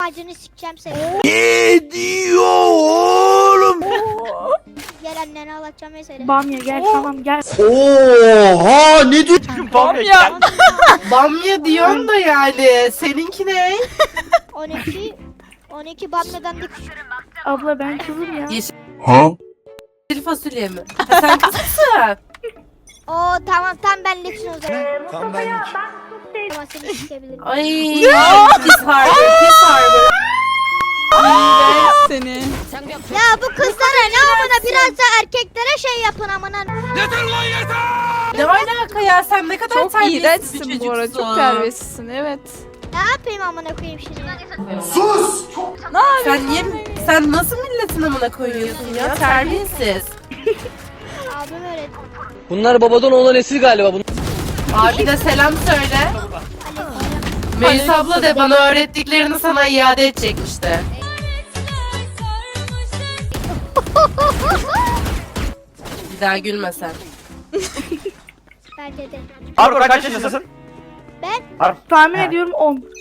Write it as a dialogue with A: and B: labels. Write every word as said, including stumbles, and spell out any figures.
A: Ağacını sikeceğim seni.
B: Ne diyor oğlum?
A: Gel annene ağlatacağım mesela.
C: Bamya gel tamam gel.
B: Oha ne diyor?
D: Bamya.
E: Bamya diyorsun da yani. Seninki ne?
A: on iki on iki Bamya'dan da küçük.
C: Abla ben kızım ya.
B: Ha?
E: Yeşil fasulye mi? Ha, sen kızsın.
A: Oo tamam tam benliksin o zaman.
B: Tam benlik.
A: Ama seni sikebilirim.
E: Ay. Pis harbor. Pis harbor.
D: Seni.
A: Ya bu kızlara ne amına biraz da erkeklere şey yapın amına.
E: Ne alaka ya? Sen ne kadar
D: Çok
E: terbiyesiz bir
D: iğrençsin
E: çocuksun.
D: bu arada. Çok terbiyesizsin. Evet.
A: Ne yapayım amına koyayım şimdi?
B: Sus!
E: Sen niye, sen nasıl milletin amına koyuyorsun ya? Terbiyesiz.
A: Abim öğretti.
F: Bunlar babadan oğlan nesil galiba. Bunlar...
E: Abi de selam söyle. Melis abla de bana öğrettiklerini sana iade edecekmiş de. Bir daha gülme sen.
A: Bence de.
G: Harbi kaç yaşındasın?
A: Ben
C: Tahmin
G: Ha.
C: ediyorum on.